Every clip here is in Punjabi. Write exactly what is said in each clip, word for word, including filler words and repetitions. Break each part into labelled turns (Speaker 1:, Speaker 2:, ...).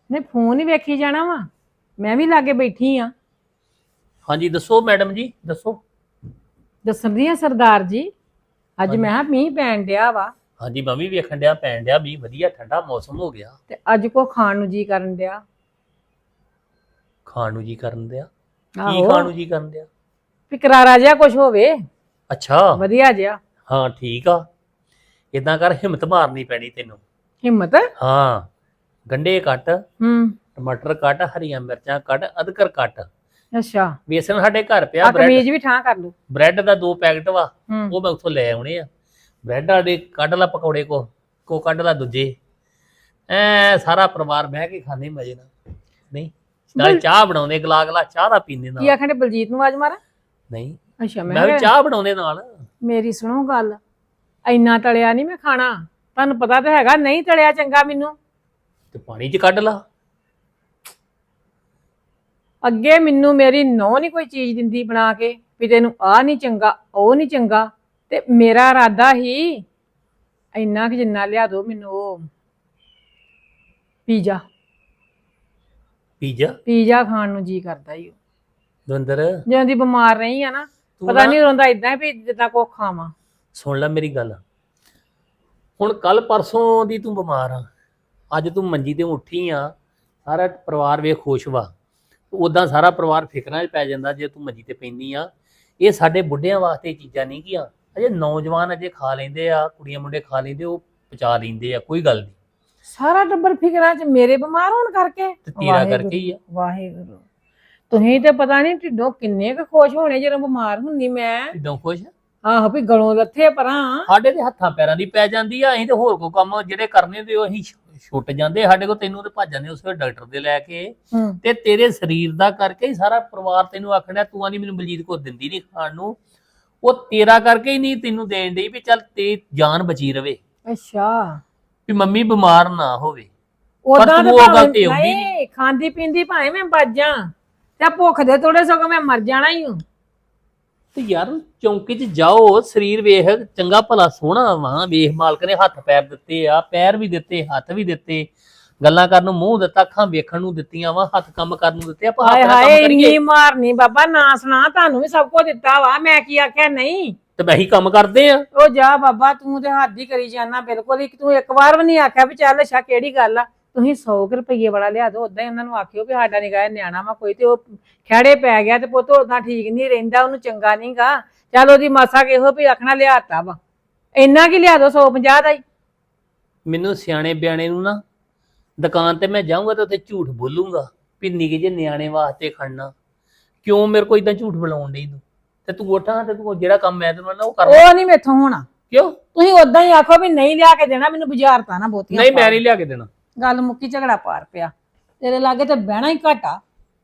Speaker 1: ਨਹੀਂ ਫੋਨ ਹੀ ਵੇਖੀ ਜਾਣਾ ਵਾ। ਮੈਂ ਵੀ ਲਾਗੇ ਬੈਠੀ ਆ।
Speaker 2: ਹਾਂਜੀ ਦੱਸੋ ਮੈਡਮ ਜੀ ਦੱਸੋ।
Speaker 1: ਦੱਸਦੀ ਆ ਸਰਦਾਰ ਜੀ, ਅੱਜ
Speaker 2: ਹਾਂਜੀ।
Speaker 1: ਮੈਂ ਕਿਹਾ ਮੀਂਹ ਪੈਣ ਡਿਆ ਵਾ
Speaker 2: ਹਾਂਜੀ ਮੈਂ ਵੀ ਵੇਖਣ ਡਿਆ ਪੈਣ ਡਿਆ ਵੀ ਵਧੀਆ ਠੰਡਾ ਮੌਸਮ ਹੋ ਗਿਆ।
Speaker 1: ਤੇ ਅੱਜ ਕੋ ਖਾਣ ਨੂੰ ਜੀ ਕਰਨ ਡਿਆ।
Speaker 2: ਖਾਣ ਨੂੰ ਜੀ ਕਰਨ ਦਿਆ? ਕੀ
Speaker 1: ਆਹੋ
Speaker 2: ਖਾਣ ਨੂੰ ਜੀ ਕਰਨ ਦਿਆ?
Speaker 1: ਵੀ ਕਰਾਰਾ ਜਿਹਾ ਕੁਝ ਹੋਵੇ,
Speaker 2: ਅੱਛਾ
Speaker 1: ਵਧੀਆ ਜਿਹਾ।
Speaker 2: ਹਾਂ ਠੀਕ ਆ। ਇਦਾਂ ਕਰ ਹਿੰਮਤ ਮਾਰਨੀ ਪੈਣੀ ਤੈਨੂੰ।
Speaker 1: ਹਿੰਮਤ?
Speaker 2: ਹਾਂ ਗੰਢੇ ਕੱਟ,
Speaker 1: ਹੂੰ।
Speaker 2: ਟਮਾਟਰ ਕੱਟ, ਹਰੀਆਂ ਮਿਰਚਾਂ ਕੱਟ, ਅਦਰਕ ਕੱਟ।
Speaker 1: ਅੱਛਾ
Speaker 2: ਵੇਸਣ ਸਾਡੇ ਘਰ ਪਿਆ।
Speaker 1: ਆ
Speaker 2: ਬ੍ਰੈਡ
Speaker 1: ਕਮੀਜ਼ ਵੀ ਠਾਂ ਕਰ ਲੂ।
Speaker 2: ਬ੍ਰੈਡ ਦਾ ਦੋ ਪੈਕਟ ਵਾ,
Speaker 1: ਹੂੰ
Speaker 2: ਉਹ ਮੈਂ ਉੱਥੋਂ ਲੈ ਆਉਣੇ ਆ। ਬ੍ਰੈਡ ਵਾਲੇ ਕੱਢ ਲਾ ਪਕੌੜੇ, ਕੋ ਕੋ ਕੱਢ ਲਾ ਦੂਜੇ। ਐ ਸਾਰਾ ਪਰਿਵਾਰ ਬਹਿ ਕੇ ਖਾਂਦੇ ਮਜੇ ਨਾਲ। ਨਹੀਂ ਨਾਲ
Speaker 1: ਬਲ-
Speaker 2: ਚਾਹ ਬਣਾਉਂਦੇ, ਗਲਾ ਗਲਾ ਚਾਹ ਦਾ ਪੀਂਦੇ
Speaker 1: ਕੀ
Speaker 2: ਨਾਲ।
Speaker 1: ਆਖਣੇ ਬਲਜੀਤ ਨੂੰ ਆਵਾਜ਼ ਮਾਰਾਂ?
Speaker 2: ਨਹੀਂ
Speaker 1: ਅੱਛਾ ਮੈਂ
Speaker 2: ਮੈਂ ਵੀ
Speaker 1: ਕਿਹਾ
Speaker 2: ਚਾਹ ਬਣਾਉਂਦੇ ਨਾਲ।
Speaker 1: ਮੇਰੀ ਸੁਣੋ ਗੱਲ, ਇੰਨਾ ਤਲਿਆ ਨਹੀਂ ਮੈਂ ਖਾਣਾ। ਤੁਹਾਨੂੰ ਪਤਾ ਤਾਂ ਹੈਗਾ ਨਹੀਂ ਤਲਿਆ ਚੰਗਾ ਮੈਨੂੰ।
Speaker 2: ਤੇ ਪਾਣੀ 'ਚ ਕੱਢ ਲਾ।
Speaker 1: ਅੱਗੇ ਮੈਨੂੰ ਮੇਰੀ ਨੌਂ ਨਹੀਂ ਕੋਈ ਚੀਜ਼ ਦਿੰਦੀ ਬਣਾ ਕੇ ਵੀ ਤੈਨੂੰ ਆਹ ਨਹੀਂ ਚੰਗਾ ਉਹ ਨਹੀਂ ਚੰਗਾ, ਤੇ ਮੇਰਾ ਇਰਾਦਾ ਹੀ ਇੰਨਾ ਕਿ ਜਿੰਨਾ ਲਿਆ ਦੋ ਮੈਨੂੰ ਉਹ ਪੀਜ਼ਾ।
Speaker 2: ਪੀਜ਼ਾ?
Speaker 1: ਪੀਜ਼ਾ ਖਾਣ ਨੂੰ ਜੀ ਕਰਦਾ ਈ।
Speaker 2: ਦਵਿੰਦਰ
Speaker 1: ਜਦੋਂ ਦੀ ਬਿਮਾਰ ਰਹੀ ਆ ਨਾ,
Speaker 2: ਤੂੰ
Speaker 1: ਪਤਾ
Speaker 2: ਨਾ
Speaker 1: ਨਹੀਂ ਰੋਂਦਾ ਇਦਾਂ ਵੀ ਜਿੱਦਾਂ ਕੋ ਖਾਵਾਂ।
Speaker 2: ਸੁਣ ਲੈ ਮੇਰੀ ਗੱਲ। ਹੁਣ ਕੱਲ ਪਰਸੋਂ ਦੀ ਤੂੰ ਬਿਮਾਰ ਆ, ਅੱਜ ਤੂੰ ਮੰਜੀ ਤੇ ਉੱਠੀ ਆ, ਸਾਰਾ ਪਰਿਵਾਰ ਵੇਖ ਖੁਸ਼ ਵਾ। ਉਦਾਂ ਸਾਰਾ ਪਰਿਵਾਰ ਫਿਕਰਾਂ 'ਚ ਪੈ ਜਾਂਦਾ ਜੇ ਤੂੰ ਮੰਜੀ ਤੇ ਪੈਂਦੀ ਆ। ਇਹ ਸਾਡੇ ਬੁੱਢਿਆਂ ਵਾਸਤੇ ਚੀਜ਼ਾਂ ਨਹੀਂ ਗੀਆਂ। ਅਜੇ ਨੌਜਵਾਨ ਅਜੇ ਖਾ ਲੈਂਦੇ ਆ, ਕੁੜੀਆਂ ਮੁੰਡੇ ਖਾ ਲੈਂਦੇ, ਉਹ ਪਚਾ ਲੈਂਦੇ ਆ, ਕੋਈ ਗੱਲ ਨਹੀਂ।
Speaker 1: ਸਾਰਾ ਟੱਬਰ ਫਿਕਰਾਂ 'ਚ ਮੇਰੇ ਬਿਮਾਰ ਹੋਣ ਕਰਕੇ?
Speaker 2: ਤੇ ਤੇਰਾ ਕਰਕੇ ਹੀ ਆ।
Speaker 1: ਵਾਹਿਗੁਰੂ, ਤੁਸੀਂ ਤੇ ਪਤਾ ਨਹੀਂ ਢਿੱਡੋਂ ਕਿੰਨੇ ਕੁ ਖੁਸ਼ ਹੋਣੇ ਜਦੋਂ ਬਿਮਾਰ ਹੁੰਨੀ ਮੈਂ।
Speaker 2: ਇਦਾਂ ਖੁਸ਼?
Speaker 1: ਆਹੋ ਵੀ ਗਲੋਂ ਲੱਥੇ ਪਰਾਂ।
Speaker 2: ਸਾਡੇ ਤੇ ਹੱਥਾਂ ਪੈਰਾਂ ਦੀ ਪੈ ਜਾਂਦੀ ਆ। ਅਸੀਂ ਤੇ ਹੋਰ ਕੋ ਕੰਮ ਜਿਹੜੇ ਕਰਨੇ ਤੇ ਉਹ ਅਸੀਂ ਛੁੱਟ ਜਾਂਦੇ ਸਾਡੇ ਕੋਲ। ਤੈਨੂੰ ਤੇ ਭੱਜ ਜਾਂਦੇ ਉਸ ਵੇਲੇ ਡਾਕਟਰ ਦੇ ਲੈ ਕੇ।
Speaker 1: ਹੂੰ
Speaker 2: ਤੇ ਤੇਰੇ ਸਰੀਰ ਦਾ ਕਰਕੇ ਹੀ ਸਾਰਾ ਪਰਿਵਾਰ ਤੈਨੂੰ ਆਖਣਾ ਤੂੰ ਆਨੀ ਮੈਨੂੰ ਬਲਜੀਤ ਕੋ ਦਿੰਦੀ ਨਹੀਂ ਖਾਣ ਨੂੰ। ਉਹ ਤੇਰਾ ਕਰਕੇ ਹੀ ਨਹੀਂ ਤੈਨੂੰ ਦੇਣ ਡਈ ਵੀ ਚੱਲ ਤੇ ਜਾਨ ਬਚੀ ਰਵੇ,
Speaker 1: ਅੱਛਾ।
Speaker 2: ਵੀ ਮੰਮੀ ਬਿਮਾਰ ਨਾ ਹੋਵੇ।
Speaker 1: ਉਦਾਂ
Speaker 2: ਤੂੰ ਉਹ ਗੱਲ ਤੇ ਆਉਂਦੀ
Speaker 1: ਨਹੀਂ ਖਾਂਦੀ ਪੀਂਦੀ ਭਾਵੇਂ ਮੈਂ ਬਚ ਜਾ, ਤੇ ਭੁੱਖ ਦੇ ਥੋੜੇ ਸਗੋਂ ਮੈਂ ਮਰ ਜਾਣਾ ਹੀ ਹੂੰ।
Speaker 2: ਤੇ ਯਾਰ ਚੌਂਕੇ 'ਚ ਜਾਓ, ਸਰੀਰ ਵੇਖ ਚੰਗਾ ਭਲਾ ਸੋਹਣਾ ਵਾ, ਵੇਖ ਮਾਲਕ ਨੇ ਹੱਥ ਪੈਰ ਦਿੱਤੇ ਆ, ਪੈਰ ਵੀ ਦਿੱਤੇ, ਹੱਥ ਵੀ ਦਿੱਤੇ, ਗੱਲਾਂ ਕਰਨ ਨੂੰ ਮੂੰਹ ਦਿੱਤਾ, ਅੱਖਾਂ ਵੇਖਣ ਨੂੰ ਦਿੱਤੀਆਂ ਵਾ, ਹੱਥ ਕੰਮ ਕਰਨ ਨੂੰ ਦਿੱਤੇ। ਆਪਾਂ
Speaker 1: ਹਾਏ
Speaker 2: ਆਪਣਾ
Speaker 1: ਹਾਏ
Speaker 2: ਕੰਮ ਕਰੀਏ।
Speaker 1: ਇੰਨੀ ਮਾਰਨੀ ਬਾਬਾ ਨਾ ਸੁਣਾ, ਤੁਹਾਨੂੰ ਵੀ ਸਭ ਕੁਝ ਦਿੱਤਾ ਵਾ, ਮੈਂ ਕੀ ਆਖਿਆ ਨਹੀਂ?
Speaker 2: ਤੇ ਮੈਂ ਹੀ ਕੰਮ ਕਰਦੇ ਆ।
Speaker 1: ਉਹ ਜਾ ਬਾਬਾ, ਤੂੰ ਤੇ ਹੱਦ ਹੀ ਕਰੀ ਜਾਣਾ ਬਿਲਕੁਲ। ਇੱਕ ਤੂੰ ਇੱਕ ਵਾਰ ਵੀ ਨਹੀਂ ਆਖਿਆ ਵੀ ਚੱਲ ਅੱਛਾ ਕਿਹੜੀ ਗੱਲ ਆ। ਤੁਸੀਂ ਸੌ ਰੁਪਈਏ ਵਾਲਾ ਲਿਆ ਦੋ, ਉਦਾਂ ਹੀ ਉਹਨਾਂ ਨੂੰ ਆਖਿਓ ਵੀ ਸਾਡਾ ਨਿਗਾਹ ਨਿਆਣਾ ਵਾ ਕੋਈ, ਤੇ ਉਹ ਖਹਿੜੇ ਪੈ ਗਿਆ ਤੇ ਪੁੱਤ ਉਦਾਂ ਠੀਕ ਨਹੀਂ ਰਹਿੰਦਾ, ਉਹਨੂੰ ਚੰਗਾ ਨਹੀਂਗਾ। ਚੱਲ ਉਹਦੀ ਮਾਸਾ ਕਿਹੋ ਵੀ ਆਖਣਾ ਲਿਆਤਾ ਵਾ, ਇੰਨਾ ਕੀ ਲਿਆ ਦੋ ਸੌ ਪੰਜਾਹ ਦਾ ਹੀ।
Speaker 2: ਮੈਨੂੰ ਸਿਆਣੇ ਬਿਆਣੇ ਨੂੰ ਨਾ ਦੁਕਾਨ ਤੇ ਮੈਂ ਜਾਊਂਗਾ ਤੇ ਉੱਥੇ ਝੂਠ ਬੋਲੂੰਗਾ ਵੀ ਨਿੱਕੇ ਜਿਹੇ ਨਿਆਣੇ ਵਾਸਤੇ ਖੜਨਾ। ਕਿਉਂ ਮੇਰੇ ਕੋਲ ਇਦਾਂ ਝੂਠ ਬੁਲਾਉਣ ਡਈ ਤੂੰ? ਤੇ ਤੂੰ ਉੱਠਾਂ ਤੇ ਤੂੰ ਜਿਹੜਾ ਕੰਮ ਮੈਂ ਤੈਨੂੰ ਨਾ ਉਹ ਕਰ।
Speaker 1: ਉਹ ਨਹੀਂ ਮੇਥੋਂ ਹੋਣਾ।
Speaker 2: ਕਿਉਂ?
Speaker 1: ਤੁਸੀਂ ਉਦਾਂ ਹੀ ਆਖੋ ਵੀ ਨਹੀਂ ਲਿਆ ਕੇ ਦੇਣਾ ਮੈਨੂੰ, ਬਾਜ਼ਾਰ ਤਾਂ ਨਾ ਬਹੁਤੀਆਂ।
Speaker 2: ਨਹੀਂ ਮੈਂ ਨਹੀਂ ਲਿਆ ਕੇ ਦੇਣਾ।
Speaker 1: ਗੱਲ ਮੁੱਕੀ, ਝਗੜਾ ਪਾਰ ਪਿਆ। ਤੇਰੇ ਲਾਗੇ ਤੇ ਬਹਿਣਾ ਹੀ ਘਾਟਾ।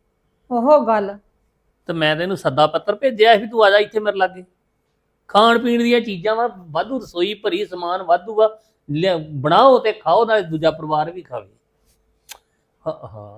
Speaker 1: ਉਹ ਗੱਲ
Speaker 2: ਤੇ ਮੈਂ ਤੈਨੂੰ ਸੱਦਾ ਪੱਤਰ ਭੇਜਿਆ ਸੀ ਤੂੰ ਆ ਜਾ ਇੱਥੇ ਮੇਰੇ ਲਾਗੇ। ਖਾਣ ਪੀਣ ਦੀਆਂ ਚੀਜ਼ਾਂ ਵਾ ਵਾਧੂ, ਰਸੋਈ ਭਰੀ, ਸਮਾਨ ਵਾਧੂ ਵਾ, ਬਣਾਓ ਤੇ ਖਾਓ, ਨਾਲ ਦੂਜਾ ਪਰਿਵਾਰ ਵੀ ਖਾਵੇ। ਹਾਂ ਹਾਂ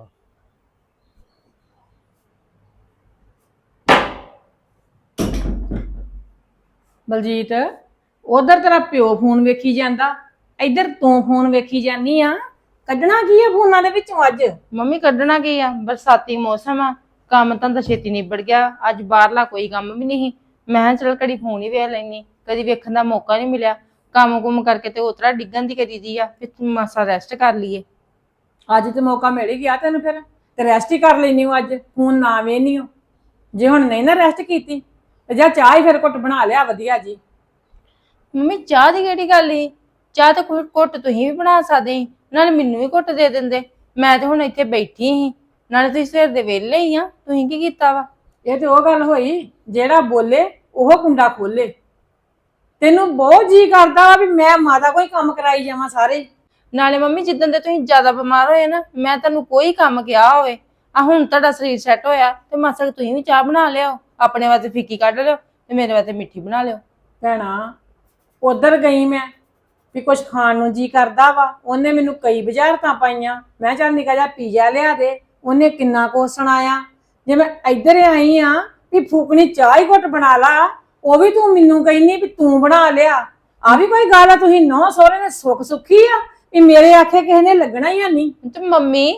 Speaker 1: ਬਲਜੀਤ, ਉਧਰ ਤੇਰਾ ਪਿਓ ਫੋਨ ਵੇਖੀ ਜਾਂਦਾ, ਇੱਧਰ ਤੂੰ ਫੋਨ ਵੇਖੀ ਜਾਨੀ ਆ। ਕੱਢਣਾ ਕੀ ਆ ਫੋਨਾਂ ਦੇ ਵਿੱਚੋਂ ਅੱਜ?
Speaker 3: ਮੰਮੀ ਕੱਢਣਾ ਕੀ ਆ, ਬਰਸਾਤੀ ਮੌਸਮ ਆ, ਕੰਮ ਤਾਂ ਤਾਂ ਛੇਤੀ ਨਿਬੜ ਗਿਆ। ਅੱਜ ਬਾਹਰਲਾ ਕੋਈ ਕੰਮ ਵੀ ਨਹੀਂ। ਮੈਂ ਕਿਹਾ ਚਲ ਘੜੀ ਫੋਨ ਹੀ ਵੇਖ ਲੈਣੀ, ਕਦੀ ਵੇਖਣ ਦਾ ਮੌਕਾ ਨਹੀਂ ਮਿਲਿਆ। ਕੰਮ ਕੁਮ ਕਰਕੇ ਤੇ ਉਤਰਾ ਡਿੱਗਣ ਦੀ ਕਰੀ ਦੀ ਆ, ਫਿਰ ਮਾਸਾ ਰੈਸਟ ਕਰ ਲਈਏ।
Speaker 1: ਅੱਜ ਤੇ ਮੌਕਾ ਮਿਲ ਹੀ ਗਿਆ ਤੈਨੂੰ, ਫਿਰ ਤੇ ਰੈਸਟ ਹੀ ਕਰ ਲੈਣੀ ਹੋ। ਅੱਜ ਫੋਨ ਨਾ ਵੇਖਣੀ ਹੋ। ਜੇ ਹੁਣ ਨਹੀਂ ਨਾ ਰੈਸਟ ਕੀਤੀ ਤੇ ਜਾਂ ਚਾਹ ਹੀ ਫਿਰ ਘੁੱਟ ਬਣਾ ਲਿਆ ਵਧੀਆ ਜੀ।
Speaker 3: ਮੰਮੀ ਚਾਹ ਦੀ ਕਿਹੜੀ ਗੱਲ ਸੀ? ਚਾਹ ਤਾਂ ਕੋਈ ਘੁੱਟ ਤੁਸੀਂ ਵੀ ਬਣਾ ਸਕਦੇ ਸੀ, ਨਾਲੇ ਮੈਨੂੰ ਵੀ ਘੁੱਟ ਦੇ ਦਿੰਦੇ। ਮੈਂ ਤੇ ਹੁਣ ਇੱਥੇ ਬੈਠੀ ਸੀ, ਨਾਲੇ ਤੁਸੀਂ ਸਵੇਰ ਦੇ ਵਿਹਲੇ ਹੀ ਆ, ਤੁਸੀਂ ਕੀ ਕੀਤਾ ਵਾ?
Speaker 1: ਇਹ ਤੇ ਉਹ ਗੱਲ ਹੋਈ, ਜਿਹੜਾ ਬੋਲੇ ਉਹ ਕੁੰਡਾ ਖੋਲੇ। ਤੈਨੂੰ ਬਹੁਤ ਜੀ ਕਰਦਾ ਵਾ ਵੀ ਮੈਂ ਮਾਤਾ ਕੋਈ ਕੰਮ ਕਰਾਈ ਜਾਵਾਂ ਸਾਰੇ।
Speaker 3: ਨਾਲੇ ਮੰਮੀ ਜਿੱਦਣ ਦੇ ਤੁਸੀਂ ਜ਼ਿਆਦਾ ਬਿਮਾਰ ਹੋਏ ਨਾ, ਮੈਂ ਤੁਹਾਨੂੰ ਕੋਈ ਕੰਮ ਕਿਹਾ ਹੋਵੇ, ਆ ਹੁਣ ਤੁਹਾਡਾ ਸਰੀਰ ਸੈੱਟ ਹੋਇਆ ਤੇ ਮਾਸਾ ਤੁਸੀਂ ਵੀ ਚਾਹ ਬਣਾ ਲਿਓ, ਆਪਣੇ ਵਾਸਤੇ ਫਿੱਕੀ ਕੱਢ ਲਿਓ ਤੇ ਮੇਰੇ ਵਾਸਤੇ ਮਿੱਠੀ ਬਣਾ ਲਿਓ।
Speaker 1: ਭੈਣਾ ਉਧਰ ਗਈ ਮੈਂ ਵੀ ਕੁਛ ਖਾਣ ਨੂੰ ਜੀ ਕਰਦਾ ਵਾ, ਉਹਨੇ ਮੈਨੂੰ ਕਈ ਬੁਝਾਰਤਾਂ ਪਾਈਆਂ। ਮੈਂ ਚੱਲ ਨਿੱਕਾ ਜਿਹਾ ਪੀਜ਼ਾ ਲਿਆ ਦੇ, ਉਹਨੇ ਕਿੰਨਾ ਕੁਛ ਸੁਣਾਇਆ। ਜੇ ਮੈਂ ਇੱਧਰ ਆਈ ਆ ਵੀ ਫੂਕਣੀ ਚਾਹ ਹੀ ਘੁੱਟ ਬਣਾ ਲਾ, ਉਹ ਵੀ ਤੂੰ ਮੈਨੂੰ ਕਹਿੰਦੀ ਵੀ ਤੂੰ ਬਣਾ ਲਿਆ। ਆ ਵੀ ਕੋਈ ਗੱਲ ਆ? ਤੁਸੀਂ ਨੌ ਸਹੁਰੇ ਨੇ ਸੁੱਖ ਸੁੱਖੀ ਆ ਵੀ ਮੇਰੇ ਆਖੇ ਕਿਸੇ ਨੇ ਲੱਗਣਾ ਹੀ ਨਹੀਂ।
Speaker 3: ਤੇ ਮੰਮੀ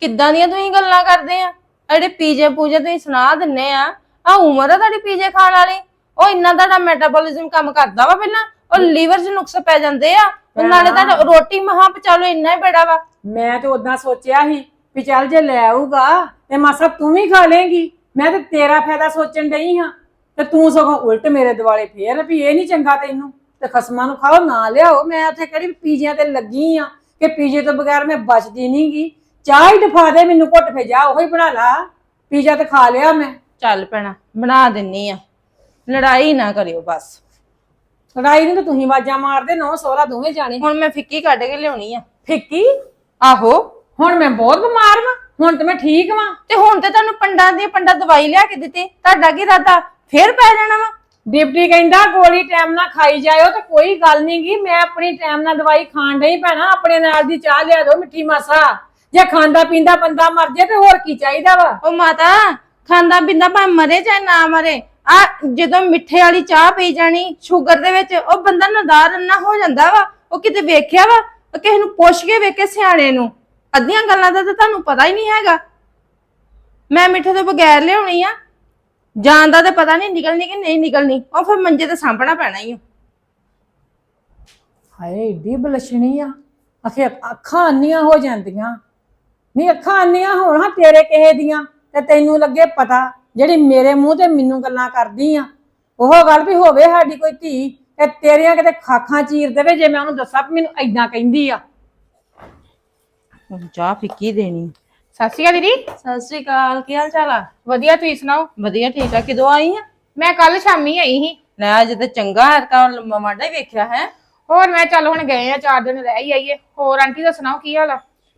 Speaker 3: ਕਿੱਦਾਂ ਦੀਆਂ ਤੁਸੀਂ ਗੱਲਾਂ ਕਰਦੇ ਆ? ਜਿਹੜੇ ਪੀਜੇ ਪੂਜੇ ਤੁਸੀਂ ਸੁਣਾ ਦਿੰਨੇ ਆ, ਆ ਉਮਰ ਆ ਤੁਹਾਡੀ ਪੀਜੇ ਖਾਣ ਵਾਲੀ। ਉਹ ਇੰਨਾ ਤੁਹਾਡਾ ਮੈਟਾਬੋਲਿਜ਼ਮ ਕੰਮ ਕਰਦਾ ਵਾ ਪਹਿਲਾਂ, ਉਹ ਲੀਵਰ 'ਚ ਨੁਕਸ ਪੈ ਜਾਂਦੇ ਆ। ਤੇ ਨਾਲੇ ਤੁਹਾਡਾ ਰੋਟੀ ਮਹਾਂ ਪਚਾ ਲਓ, ਇੰਨਾ ਹੀ ਬੜਾ ਵਾ।
Speaker 1: ਮੈਂ ਤੇ ਉਦਾਂ ਸੋਚਿਆ ਸੀ ਵੀ ਚੱਲ ਜੇ ਲੈ ਆਊਗਾ ਤੇ ਮਾਸਾ ਤੂੰ ਵੀ ਖਾ ਲੇਂਗੀ। ਮੈਂ ਤੇ ਤੇਰਾ ਫਾਇਦਾ ਸੋਚਣ ਡਈ ਹਾਂ ਤੇ ਤੂੰ ਸਗੋਂ ਉਲਟ ਮੇਰੇ ਦਿਵਾਲੇ ਫੇਰ ਵੀ ਇਹ ਨਹੀਂ ਚੰਗਾ ਤੈਨੂੰ ਤੇ ਖਸਮਾਂ ਨੂੰ ਖਾਓ ਨਾ ਲਿਆਓ। ਮੈਂ ਉੱਥੇ ਕਿਹੜੀ ਪੀਜਿਆਂ ਤੇ ਲੱਗੀ ਆ ਕਿ ਪੀਜੇ ਤੋਂ ਬਗੈਰ ਮੈਂ ਬਚਦੀ ਨਹੀਂਗੀ। ਚਾਹ ਹੀ ਡਫਾ ਦੇ ਮੈਨੂੰ ਘੁੱਟ ਫੇ ਜਾ ਉਹੀ ਬਣਾ ਲਾ। ਪੀਜਾ ਤੇ ਖਾ ਲਿਆ ਮੈਂ।
Speaker 3: ਚੱਲ ਪੈਣਾ ਬਣਾ ਦਿੰਨੀ ਆ, ਲੜਾਈ ਨਾ ਕਰਿਓ ਬਸ।
Speaker 1: ਲੜਾਈ ਨਹੀਂ ਤਾਂ ਤੁਸੀਂ ਆਵਾਜ਼ਾਂ ਮਾਰਦੇ ਨੌ ਸੋਹਰਾ ਦੋਵੇਂ ਜਾਣੇ।
Speaker 3: ਹੁਣ ਮੈਂ ਫਿੱਕੀ ਕੱਢ ਕੇ ਲਿਆਉਣੀ ਆ।
Speaker 1: ਫਿੱਕੀ?
Speaker 3: ਆਹੋ,
Speaker 1: ਹੁਣ ਮੈਂ ਬਹੁਤ ਬਿਮਾਰ ਵਾਂ, ਹੁਣ ਤੇ ਮੈਂ ਠੀਕ ਵਾਂ।
Speaker 3: ਤੇ ਹੁਣ ਤੇ ਤੁਹਾਨੂੰ ਪੰਡਾਂ ਦੀ ਪੰਡਾ ਦਵਾਈ ਲਿਆ ਕੇ ਦਿੱਤੀ, ਤੁਹਾਡਾ ਕੀ ਇਰਾਦਾ ਫੇਰ ਪੈ ਜਾਣਾ ਵਾ?
Speaker 1: ਡਿਪਟੀ ਕਹਿੰਦਾ ਗੋਲੀ ਟਾਈਮ ਨਾਲ ਖਾਈ ਜਾਇਓ ਤੇ ਕੋਈ ਗੱਲ ਨੀ ਗੀ। ਮੈਂ ਆਪਣੀ ਟਾਈਮ ਨਾਲ ਦਵਾਈ ਖਾਣ ਡਈ ਭੈਣਾ। ਆਪਣੇ ਨਾਲ ਦੀ ਚਾਹ ਲਿਆ ਦਿਓ ਮਿੱਠੀ ਮਾਸਾ। ਜੇ ਖਾਂਦਾ ਪੀਂਦਾ ਬੰਦਾ ਮਰ ਜੇ ਤੇ ਹੋਰ ਕੀ ਚਾਹੀਦਾ ਵਾ?
Speaker 3: ਉਹ ਮਾਤਾ, ਖਾਂਦਾ ਪੀਂਦਾ ਭਾਵੇਂ ਮਰੇ ਚਾਹੇ ਨਾ ਮਰੇ, ਆ ਜਦੋਂ ਮਿੱਠੇ ਵਾਲੀ ਚਾਹ ਪੀ ਜਾਣੀ ਸ਼ੂਗਰ ਦੇ ਵਿੱਚ, ਉਹ ਬੰਦਾ ਨਦਾਰ ਅੰਨਾ ਹੋ ਜਾਂਦਾ ਵਾ। ਉਹ ਕਿਤੇ ਵੇਖਿਆ ਵਾ? ਉਹ ਕਿਸੇ ਨੂੰ ਪੁੱਛ ਕੇ ਵੇਖੇ ਸਿਆਣੇ ਨੂੰ। ਅੱਧੀਆਂ ਗੱਲਾਂ ਦਾ ਤਾਂ ਤੁਹਾਨੂੰ ਪਤਾ ਹੀ ਨਹੀਂ ਹੈਗਾ। ਮੈਂ ਮਿੱਠੇ ਤੋਂ ਬਗੈਰ ਲਿਆਉਣੀ ਆ, ਜਾਣ ਦਾ ਤਾਂ ਪਤਾ ਨਹੀਂ ਨਿਕਲਣੀ ਕਿ ਨਹੀਂ ਨਿਕਲਣੀ। ਉਹ ਫਿਰ ਮੰਜੇ ਤੇ ਸਾਂਭਣਾ ਪੈਣਾ ਹੀ।
Speaker 1: ਹਾਏ ਏਡੀ ਬਲਸ਼ਣੀ ਆ, ਅਖੇ ਅੱਖਾਂ ਅੰਨੀਆਂ ਹੋ ਜਾਂਦੀਆਂ। ਨਹੀਂ ਅੱਖਾਂ ਅੰਨੀਆਂ ਹੋਣ ਹਾਂ ਤੇਰੇ ਕਿਸੇ ਦੀਆਂ ਤੇ ਤੈਨੂੰ ਲੱਗੇ ਪਤਾ। ਜਿਹੜੀ ਮੇਰੇ ਮੂੰਹ ਤੇ ਮੈਨੂੰ ਗੱਲਾਂ ਕਰਦੀ ਆ ਉਹ ਗੱਲ ਵੀ ਹੋਵੇ ਸਾਡੀ ਕੋਈ ਧੀ ਤੇ ਤੇਰੀਆਂ ਕਿਤੇ ਖਾਖਾਂ ਚੀਰ ਦੇਵੇ ਜੇ ਮੈਂ ਉਹਨੂੰ ਦੱਸਾਂ ਵੀ ਮੈਨੂੰ ਏਦਾਂ ਕਹਿੰਦੀ ਆ।
Speaker 3: ਚਾਹ ਫਿੱਕੀ ਦੇਣੀ।
Speaker 4: ਸਤਿ ਸ਼੍ਰੀ ਅਕਾਲ ਦੀਦੀ।
Speaker 3: ਸਤਿ ਸ੍ਰੀ ਅਕਾਲ, ਕੀ ਹਾਲ ਚਾਲ ਆ?
Speaker 4: ਵਧੀਆ, ਤੁਸੀਂ ਸੁਣਾਓ?
Speaker 3: ਵਧੀਆ ਠੀਕ ਆ। ਕਿਦੋਂ ਆਈ ਆ?
Speaker 4: ਮੈਂ ਕੱਲ ਸ਼ਾਮੀ ਆਈ ਸੀ।
Speaker 3: ਲੈ ਅੱਜ ਤੇ ਚੰਗਾ ਹਰਕਾ ਲੰਮਾ ਮਾਡਾ ਹੀ ਵੇਖਿਆ ਹੈ।
Speaker 4: ਹੋਰ ਮੈਂ ਚੱਲ ਹੁਣ ਗਏ ਆ, ਚਾਰ ਦਿਨ ਰਹਿ ਹੀ ਆਈਏ। ਹੋਰ ਆਂਟੀ ਦਾ ਸੁਣਾਓ ਕੀ ਹਾਲ ਆ?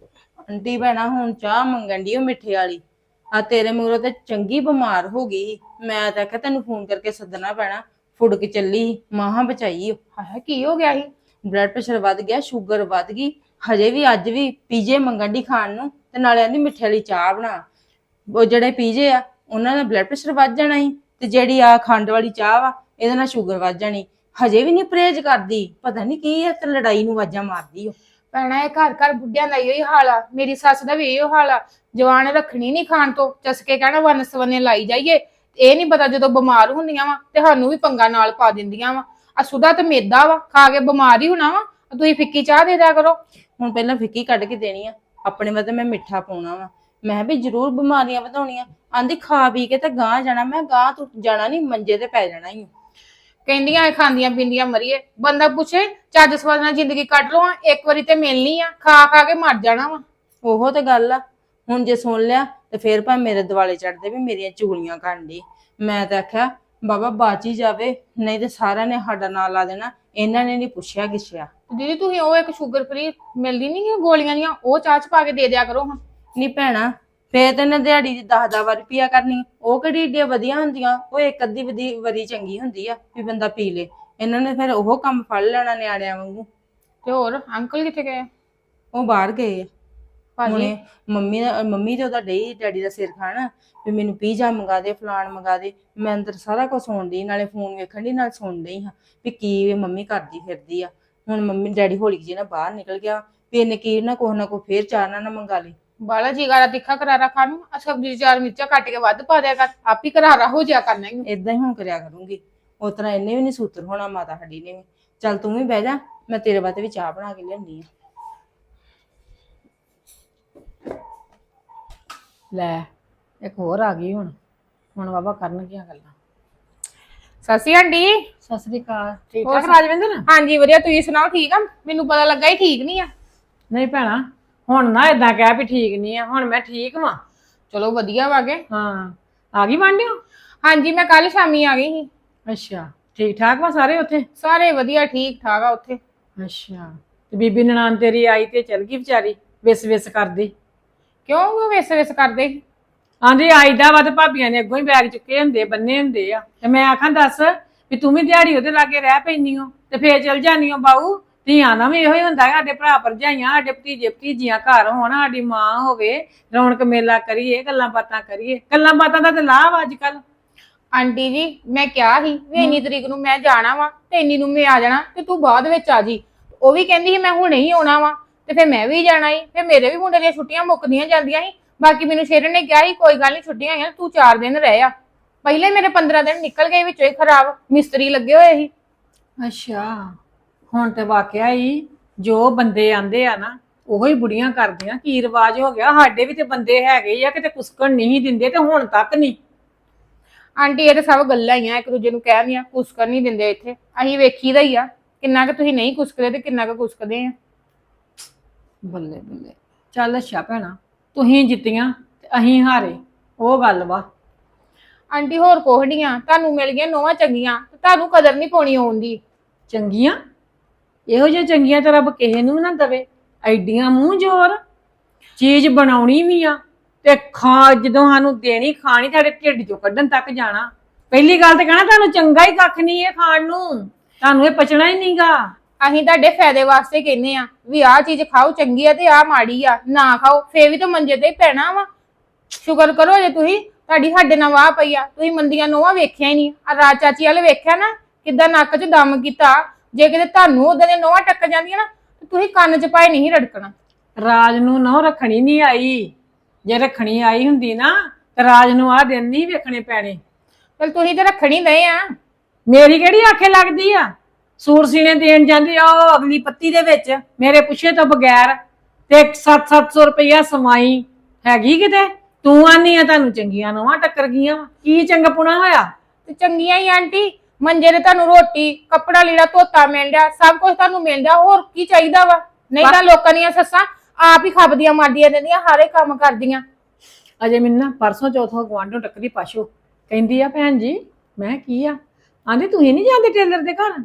Speaker 3: ਆਂਟੀ ਭੈਣਾ ਹੁਣ ਚਾਹ ਮੰਗਣ ਦੀ ਉਹ ਮਿੱਠੇ ਵਾਲੀ। ਆ ਤੇਰੇ ਮੂਹਰੋਂ ਤੇ ਚੰਗੀ ਬਿਮਾਰ ਹੋ ਗਈ। ਮੈਂ ਤਾਂ ਆਖਿਆ ਤੈਨੂੰ ਫੋਨ ਕਰਕੇ ਸੱਦਣਾ ਪੈਣਾ। ਫੁੜ ਕੇ ਚੱਲੀ, ਮਾਹਾਂ ਬਚਾਈ।
Speaker 4: ਹਾਏ ਕੀ ਹੋ ਗਿਆ ਸੀ?
Speaker 3: ਬਲੱਡ ਪ੍ਰੈਸ਼ਰ ਵੱਧ ਗਿਆ, ਸ਼ੂਗਰ ਵੱਧ ਗਈ। ਹਜੇ ਵੀ ਅੱਜ ਵੀ ਪੀਜੇ ਮੰਗਣ ਦੀ ਖਾਣ ਨੂੰ, ਤੇ ਨਾਲੇ ਆਂਦੀ ਮਿੱਠੇ ਵਾਲੀ ਚਾਹ ਬਣਾ। ਉਹ ਜਿਹੜੇ ਪੀਜੇ ਆ ਉਹਨਾਂ ਦਾ ਬਲੱਡ ਪ੍ਰੈਸ਼ਰ ਵੱਧ ਜਾਣਾ ਸੀ, ਤੇ ਜਿਹੜੀ ਆ ਖੰਡ ਵਾਲੀ ਚਾਹ ਵਾ ਇਹਦੇ ਨਾਲ ਸ਼ੂਗਰ ਵੱਧ ਜਾਣੀ। ਹਜੇ ਵੀ ਨਹੀਂ ਪਰਹੇਜ਼ ਕਰਦੀ। ਪਤਾ ਨਹੀਂ ਕੀ ਹੈ ਤੇ ਲੜਾਈ ਨੂੰ ਆਵਾਜ਼ਾਂ ਮਾਰਦੀ। ਉਹ
Speaker 4: ਭੈਣਾ ਇਹ ਘਰ ਘਰ ਬੁੱਢਿਆਂ ਦਾ ਇਹੋ ਹਾਲ ਆ। ਮੇਰੀ ਸੱਸ ਦਾ ਵੀ ਇਹੋ ਹਾਲ ਆ। ਜਵਾਨ ਰੱਖਣੀ ਨਹੀਂ ਖਾਣ ਤੋਂ, ਚਸਕੇ ਕਹਿਣਾ ਵੰਨ ਸਵੰਨੇ ਲਾਈ ਜਾਈਏ। ਇਹ ਨਹੀਂ ਪਤਾ ਜਦੋਂ ਬਿਮਾਰ ਹੁੰਦੀਆਂ ਵਾ ਤੇ ਸਾਨੂੰ ਵੀ ਪੰਗਾ ਨਾਲ ਪਾ ਦਿੰਦੀਆਂ ਵਾ। ਆ ਸੁਦਾ ਤੇ ਮੇਦਾ ਵਾ, ਖਾ ਕੇ ਬਿਮਾਰ ਹੀ ਹੋਣਾ ਵਾ। ਤੁਸੀਂ ਫਿੱਕੀ ਚਾਹ ਦੇ ਦਿਆ ਕਰੋ।
Speaker 3: ਹੁਣ ਪਹਿਲਾਂ ਫਿੱਕੀ ਕੱਢ ਕੇ ਦੇਣੀ ਆ, ਆਪਣੇ ਵੱਲ ਮੈਂ ਮਿੱਠਾ ਪਾਉਣਾ ਵਾ। ਮੈਂ ਵੀ ਜ਼ਰੂਰ ਬਿਮਾਰੀਆਂ ਵਧਾਉਣੀਆਂ। ਆਂਦੀ ਖਾ ਪੀ ਕੇ ਤੇ ਗਾਂ ਜਾਣਾ। ਮੈਂ ਗਾਂ ਤੂੰ ਜਾਣਾ ਨਹੀਂ, ਮੰਜੇ ਤੇ ਪੈ ਜਾਣਾ ਹੀ।
Speaker 4: ਕਹਿੰਦੀਆਂ ਖਾਂਦੀਆਂ ਪੀਂਦੀਆਂ ਮਰੀਏ। ਬੰਦਾ ਪੁੱਛੇ ਚੱਜ ਸਵਾਦ ਨਾਲ ਜ਼ਿੰਦਗੀ ਕੱਟ ਲਓ, ਇੱਕ ਵਾਰੀ ਤੇ ਮਿਲਣੀ ਆ। ਖਾ ਖਾ ਕੇ ਮਰ ਜਾਣਾ ਵਾ।
Speaker 3: ਉਹੋ ਤੇ ਗੱਲ ਆ। ਹੁਣ ਜੇ ਸੁਣ ਲਿਆ ਤੇ ਫੇਰ ਭਾਵੇਂ ਮੇਰੇ ਦਿਵਾਲੇ ਚੜਦੇ ਵੀ ਮੇਰੀਆਂ ਚੁਗਲੀਆਂ ਕਰਨ ਦੀ। ਮੈਂ ਤਾਂ ਆਖਿਆ ਬਾਬਾ ਬਾਚ ਹੀ ਜਾਵੇ, ਨਹੀਂ ਤੇ ਸਾਰਿਆਂ ਨੇ ਸਾਡਾ ਨਾਂ ਲਾ ਦੇਣਾ। ਇਹਨਾਂ ਨੇ ਨਹੀਂ ਪੁੱਛਿਆ ਗਿੱਛਿਆ।
Speaker 4: ਦੀਦੀ ਤੁਸੀਂ ਉਹ ਇੱਕ ਸ਼ੂਗਰ ਫ੍ਰੀ ਮਿਲਦੀ ਨਹੀਂ ਗੋਲੀਆਂ ਦੀਆਂ, ਉਹ ਚਾਹ ਚ ਪਾ ਕੇ ਦੇ ਦਿਆ ਕਰੋ ਹਾਂ।
Speaker 3: ਨਹੀਂ ਭੈਣਾ, ਫੇਰ ਤੇ ਇਹਨਾਂ ਦਿਹਾੜੀ ਦੀ ਦਸ ਦਸ ਵਾਰ ਪੀਆ ਕਰਨੀ। ਉਹ ਕਿਹੜੀ ਏਡੀਆਂ ਵਧੀਆ ਹੁੰਦੀਆਂ? ਉਹ ਇੱਕ ਅੱਧੀ ਵਧੀ ਵਾਰੀ ਚੰਗੀ ਹੁੰਦੀ ਆ ਵੀ ਬੰਦਾ ਪੀ ਲੇ। ਇਹਨਾਂ ਨੇ ਫਿਰ ਉਹ ਕੰਮ ਫੜ ਲੈਣਾ ਨਿਆਣਿਆਂ ਵਾਂਗੂ।
Speaker 4: ਤੇ ਹੋਰ ਅੰਕਲ ਕਿੱਥੇ ਗਏ?
Speaker 3: ਉਹ ਬਾਹਰ ਗਏ ਆ।
Speaker 4: ਭਾਜੀ
Speaker 3: ਹੁਣੇ ਮੰਮੀ ਦਾ ਮੰਮੀ ਤੇ ਉਹਦਾ ਡਈ ਡੈਡੀ ਦਾ ਸਿਰ ਖਾਣ ਵੀ ਮੈਨੂੰ ਪੀਜ਼ਾ ਮੰਗਾ ਦੇ, ਫਲਾਣ ਮੰਗਾ ਦੇ। ਮੈਂ ਅੰਦਰ ਸਾਰਾ ਕੁਝ ਸੁਣ ਡਈ, ਨਾਲੇ ਫੋਨ ਵੇਖਣ ਦੀ ਨਾਲ ਸੁਣ ਡਈ ਹਾਂ ਵੀ ਕੀ ਮੰਮੀ ਕਰਦੀ ਫਿਰਦੀ ਆ। ਹੁਣ ਮੰਮੀ ਡੈਡੀ ਹੌਲੀ ਜਿਹੀ ਨਾ ਬਾਹਰ ਨਿਕਲ ਗਿਆ ਵੀ ਇਹਨੇ ਕੀ ਨਾ ਕੁਛ ਨਾ ਕੁਛ ਫੇਰ ਚਾਰ ਨਾ ਮੰਗਾ ਲਈ।
Speaker 4: ਬਾਲਾ ਜੀ ਗਾਰਾ ਤਿੱਖਾ ਕਰਾਰਾ ਖਾਣ ਨੂੰ ਆ ਸਬਜ਼ੀ ਚਾਰ ਮਿਰਚਾਂ ਕੱਟ ਕੇ ਵੱਧ ਪਾ ਦਿਆ ਕਰ, ਆਪ ਹੀ ਕਰਾਰਾ ਹੋ ਜਾ ਕਰਨਾ ਹੀ।
Speaker 3: ਏਦਾਂ ਹੀ ਹੁਣ ਕਰਿਆ ਕਰੂੰਗੀ। ਉਸ ਤਰ੍ਹਾਂ ਇਹਨੇ ਵੀ ਨੀ ਸੂਤਰ ਹੋਣਾ, ਮਾਤਾ ਸਾਡੀ ਨੇ ਵੀ। ਚੱਲ ਤੂੰ ਵੀ ਬਹਿ ਜਾ, ਮੈਂ ਤੇਰੇ ਵਾਸਤੇ ਵੀ ਚਾਹ ਬਣਾ ਕੇ ਲਿਆਉਂਦੀ ਆ।
Speaker 1: ਲੈ ਇੱਕ ਹੋਰ ਆ ਗਈ। ਹੁਣ ਹੁਣ ਬਾਬਾ ਕਰਨਗੀਆਂ ਗੱਲਾਂ।
Speaker 4: ਸਤਿ ਸ਼੍ਰੀ ਅਕਾਲ ਆਂਟੀ।
Speaker 1: ਸਤਿ ਸ੍ਰੀ ਅਕਾਲ। ਠੀਕ
Speaker 4: ਹੋਰ
Speaker 1: ਠਾਕ ਰਾਜਵਿੰਦਰ?
Speaker 4: ਹਾਂਜੀ ਵਧੀਆ, ਤੁਸੀਂ ਸੁਣਾਓ ਠੀਕ ਆ? ਮੈਨੂੰ ਪਤਾ ਲੱਗਾ ਹੀ ਠੀਕ ਨਹੀਂ ਆ।
Speaker 1: ਨਹੀਂ ਭੈਣਾ ਹੁਣ ਨਾ ਏਦਾਂ ਕਹਿ ਵੀ ਠੀਕ ਨਹੀਂ ਆ। ਹੁਣ ਮੈਂ ਠੀਕ ਵਾਂ।
Speaker 4: ਚਲੋ ਵਧੀਆ ਵਾਗੇ।
Speaker 1: ਹਾਂ ਆ ਗਈ ਵਾਂਢਿਓ?
Speaker 4: ਹਾਂਜੀ ਮੈਂ ਕੱਲ ਸ਼ਾਮੀ ਆ ਗਈ ਸੀ।
Speaker 1: ਅੱਛਾ ਠੀਕ ਠਾਕ ਵਾ ਸਾਰੇ ਉੱਥੇ?
Speaker 4: ਸਾਰੇ ਵਧੀਆ ਠੀਕ ਠਾਕ ਆ ਉੱਥੇ।
Speaker 1: ਅੱਛਾ ਤੇ ਬੀਬੀ ਨਨਾਣ ਤੇਰੀ ਆਈ ਤੇ ਚਲ ਗਈ ਵਿਚਾਰੀ ਵਿਸ ਵਿਸ ਕਰਦੀ?
Speaker 4: ਕਿਉਂ ਉਹ ਵਿਸ ਵਿਸ ਕਰਦੇ ਸੀ?
Speaker 1: ਆਂਦੀ ਆਈਦਾ ਵਾ ਤੇ ਭਾਬੀਆਂ ਨੇ ਅੱਗੋਂ ਹੀ ਬੈਗ ਚੁੱਕੇ ਹੁੰਦੇ, ਬੰਨੇ ਹੁੰਦੇ ਆ। ਤੇ ਮੈਂ ਆਖਾਂ ਦੱਸ ਵੀ ਤੂੰ ਵੀ ਦਿਹਾੜੀ ਉਹਦੇ ਲਾਗੇ ਰਹਿ ਪੈਂਦੀ ਹੋ ਤੇ ਫੇਰ ਚਲ ਜਾਨੀ ਹੋ ਬਾਊ। ਧੀਆਂ ਦਾ ਵੀ ਇਹੋ ਹੀ ਹੁੰਦਾ, ਸਾਡੇ ਭਰਾ ਭਰਜਾਈਆਂ, ਸਾਡੇ ਭਤੀਜੇ ਭਤੀਜੀਆਂ ਘਰ ਹੋਣ, ਸਾਡੀ ਮਾਂ ਹੋਵੇ, ਰੌਣਕ ਮੇਲਾ ਕਰੀਏ, ਗੱਲਾਂ ਬਾਤਾਂ ਕਰੀਏ। ਗੱਲਾਂ ਬਾਤਾਂ ਦਾ ਤੇ ਲਾਭ ਅੱਜ ਕੱਲ।
Speaker 4: ਆਂਟੀ ਜੀ ਮੈਂ ਕਿਹਾ ਸੀ ਵੀ ਇੰਨੀ ਤਰੀਕ ਨੂੰ ਮੈਂ ਜਾਣਾ ਵਾ ਤੇ ਇੰਨੀ ਨੂੰ ਮੈਂ ਆ ਜਾਣਾ ਤੇ ਤੂੰ ਬਾਅਦ ਵਿੱਚ ਆ ਜੀ। ਉਹ ਵੀ ਕਹਿੰਦੀ ਸੀ ਮੈਂ ਹੁਣੇ ਹੀ ਆਉਣਾ ਵਾ ਤੇ ਫਿਰ ਮੈਂ ਵੀ ਜਾਣਾ ਸੀ, ਫਿਰ ਮੇਰੇ ਵੀ ਮੁੰਡੇ ਦੀਆਂ ਛੁੱਟੀਆਂ ਮੁੱਕਦੀਆਂ ਜਾਂਦੀਆਂ ਸੀ। ਬਾਕੀ ਮੈਨੂੰ ਸ਼ੇਰਨ ਨੇ ਕਿਹਾ ਸੀ ਕੋਈ ਗੱਲ ਨਹੀਂ ਛੁੱਟੀਆਂ ਆਈਆਂ ਤੂੰ ਚਾਰ ਦਿਨ ਰਹਿ ਆ। ਪਹਿਲੇ ਮੇਰੇ ਪੰਦਰਾਂ ਦਿਨ ਨਿਕਲ ਗਏ ਵਿੱਚੋਂ ਹੀ ਖਰਾਬ, ਮਿਸਤਰੀ ਲੱਗੇ ਹੋਏ ਸੀ।
Speaker 1: ਅੱਛਾ, ਹੁਣ ਤੇ ਵਾਕਿਆ ਹੀ ਜੋ ਬੰਦੇ ਆਂਦੇ ਆ ਨਾ ਉਹੋ ਹੀ ਬੁੜੀਆਂ ਕਰਦੀਆਂ। ਕੀ ਰਿਵਾਜ ਹੋ ਗਿਆ, ਸਾਡੇ ਵੀ ਤੇ ਬੰਦੇ ਹੈਗੇ ਆ ਕਿਤੇ ਕੁਸਕਣ ਨਹੀਂ ਦਿੰਦੇ ਤੇ ਹੁਣ ਤੱਕ ਨਹੀਂ।
Speaker 4: ਆਂਟੀ ਇਹ ਤਾਂ ਸਭ ਗੱਲਾਂ ਹੀ ਆ, ਇੱਕ ਦੂਜੇ ਨੂੰ ਕਹਿਣੀਆਂ, ਕੁਸਕਰ ਨਹੀਂ ਦਿੰਦੇ ਇੱਥੇ। ਅਸੀਂ ਵੇਖੀਦਾ ਹੀ ਆ ਕਿੰਨਾ ਕੁ ਤੁਸੀਂ ਨਹੀਂ ਕੁਸਕਦੇ ਤੇ ਕਿੰਨਾ ਕੁ ਕੁਸਕਦੇ ਆ।
Speaker 1: ਬੱਲੇ ਬੱਲੇ, ਚੱਲ ਅੱਛਾ ਭੈਣਾ, ਤੁਸੀਂ ਜਿੱਤੀਆਂ ਤੇ ਅਸੀਂ ਹਾਰੇ, ਉਹ ਗੱਲ ਵਾ।
Speaker 4: ਆਂਟੀ ਹੋਰ ਕੋਹੜੀਆਂ ਤੁਹਾਨੂੰ ਮਿਲ ਗਈਆਂ ਨੋਵਾਂ ਚੰਗੀਆਂ, ਤੇ ਤੁਹਾਨੂੰ ਕਦਰ ਨਹੀਂ ਪਾਉਣੀ ਆਉਂਦੀ।
Speaker 1: ਚੰਗੀਆਂ ਇਹੋ ਜਿਹੀਆਂ ਚੰਗੀਆਂ ਤਾਂ ਰੱਬ ਕਿਸੇ ਨੂੰ ਵੀ ਨਾ ਦਵੇ। ਐਡੀਆਂ ਮੂੰਹ ਜ਼ੋਰ, ਚੀਜ਼ ਬਣਾਉਣੀ ਵੀ ਆ ਤੇ ਖਾ ਜਦੋਂ ਸਾਨੂੰ ਦੇਣੀ ਖਾਣੀ ਤੁਹਾਡੇ ਢਿੱਡ ਚੋਂ ਕੱਢਣ ਤੱਕ ਜਾਣਾ। ਪਹਿਲੀ ਗੱਲ ਤੇ ਕਹਿਣਾ ਤੁਹਾਨੂੰ ਚੰਗਾ ਹੀ ਕੱਖ ਨਹੀਂ ਇਹ ਖਾਣ ਨੂੰ, ਤੁਹਾਨੂੰ ਇਹ ਪਚਣਾ ਹੀ ਨਹੀਂਗਾ।
Speaker 4: ਅਸੀਂ ਤੁਹਾਡੇ ਫਾਇਦੇ ਵਾਸਤੇ ਕਹਿੰਦੇ ਆ ਵੀ ਆਹ ਚੀਜ਼ ਖਾਓ ਚੰਗੀ ਆ ਤੇ ਆਹ ਮਾੜੀ ਆ, ਨਾ ਖਾਓ ਫੇਰ ਵੀ ਤਾਂ ਮੰਜੇ ਤੇ ਹੀ ਪੈਣਾ ਵਾ। ਸ਼ੁਕਰ ਕਰੋ ਜੇ ਤੁਸੀਂ ਤੁਹਾਡੀ ਸਾਡੇ ਨਾਲ ਵਾਹ ਪਈ ਆ, ਤੁਸੀਂ ਮੰਦੀਆਂ ਨੋਵਾਂ ਵੇਖਿਆ ਹੀ ਨਹੀਂ। ਆ ਰਾਜ ਚਾਚੀ ਵਾਲੇ ਵੇਖਿਆ ਨਾ ਕਿੱਦਾਂ ਨੱਕ 'ਚ ਦਮ ਕੀਤਾ। ਜੇ ਕਿਤੇ ਤੁਹਾਨੂੰ ਉਦਾਂ ਦੀਆਂ ਨੋਵਾਂ ਟੱਕ ਜਾਂਦੀਆਂ ਨਾ ਤੇ ਤੁਸੀਂ ਕੰਨ 'ਚ ਪਾਏ ਨਹੀਂ ਰੜਕਣਾ।
Speaker 1: ਰਾਜ ਨੂੰ ਨਾ ਰੱਖਣੀ ਨਹੀਂ ਆਈ, ਜੇ ਰੱਖਣੀ ਆਈ ਹੁੰਦੀ ਨਾ ਤੇ ਰਾਜ ਨੂੰ ਆਹ ਦਿਨ ਨਹੀਂ ਵੇਖਣੇ ਪੈਣੇ।
Speaker 4: ਚਲ ਤੁਸੀਂ ਤੇ ਰੱਖਣੀ ਨਹੀਂ ਆ।
Speaker 1: ਮੇਰੀ ਕਿਹੜੀ ਆਖੇ ਲੱਗਦੀ ਆ, ਸੂਟ ਸੀਨੇ ਦੇਣ ਜਾਂਦੀ ਆ ਉਹ ਅਗਲੀ ਪੱਤੀ ਦੇ ਵਿੱਚ ਮੇਰੇ ਪੁੱਛੇ ਤੋਂ ਬਗੈਰ, ਤੇ ਸੱਤ ਸੱਤ ਸੌ ਰੁਪਇਆ ਸਮਾਈ ਹੈਗੀ ਕਿਤੇ। ਤੂੰ ਆਨੀ ਆ ਤੁਹਾਨੂੰ ਚੰਗੀਆਂ ਨੋਵਾਂ ਟੱਕਰ ਗਈਆਂ ਵਾ, ਕੀ ਚੰਗਪੁਣਾ ਹੋਇਆ।
Speaker 4: ਤੇ ਚੰਗੀਆਂ ਹੀ ਆਂਟੀ, ਮੰਜੇ ਤੇ ਤੁਹਾਨੂੰ ਰੋਟੀ ਕੱਪੜਾ ਲੀੜਾ ਧੋਤਾ ਮਿਲ ਰਿਹਾ, ਸਭ ਕੁਝ ਤੁਹਾਨੂੰ ਮਿਲ ਰਿਹਾ, ਹੋਰ ਕੀ ਚਾਹੀਦਾ ਵਾ। ਨਹੀਂ ਤਾਂ ਲੋਕਾਂ ਦੀਆਂ ਸੱਸਾਂ ਆਪ ਹੀ ਖੱਬਦੀਆਂ ਮਾਰਦੀਆਂ ਰਹਿੰਦੀਆਂ, ਹਾਰੇ ਕੰਮ ਕਰਦੀਆਂ।
Speaker 1: ਅਜੇ ਮੈਨੂੰ ਨਾ ਪਰਸੋਂ ਚੌਥੋਂ ਗੁਆਂਢੋਂ ਟੱਕਰੀ ਪਾਸ਼ੋ ਕਹਿੰਦੀ ਆ ਭੈਣ ਜੀ, ਮੈਂ ਕੀ ਆ ਆਂਦੀ ਤੁਸੀਂ ਨਹੀਂ ਜਾਂਦੇ ਟੇਲਰ ਦੇ ਘਰ।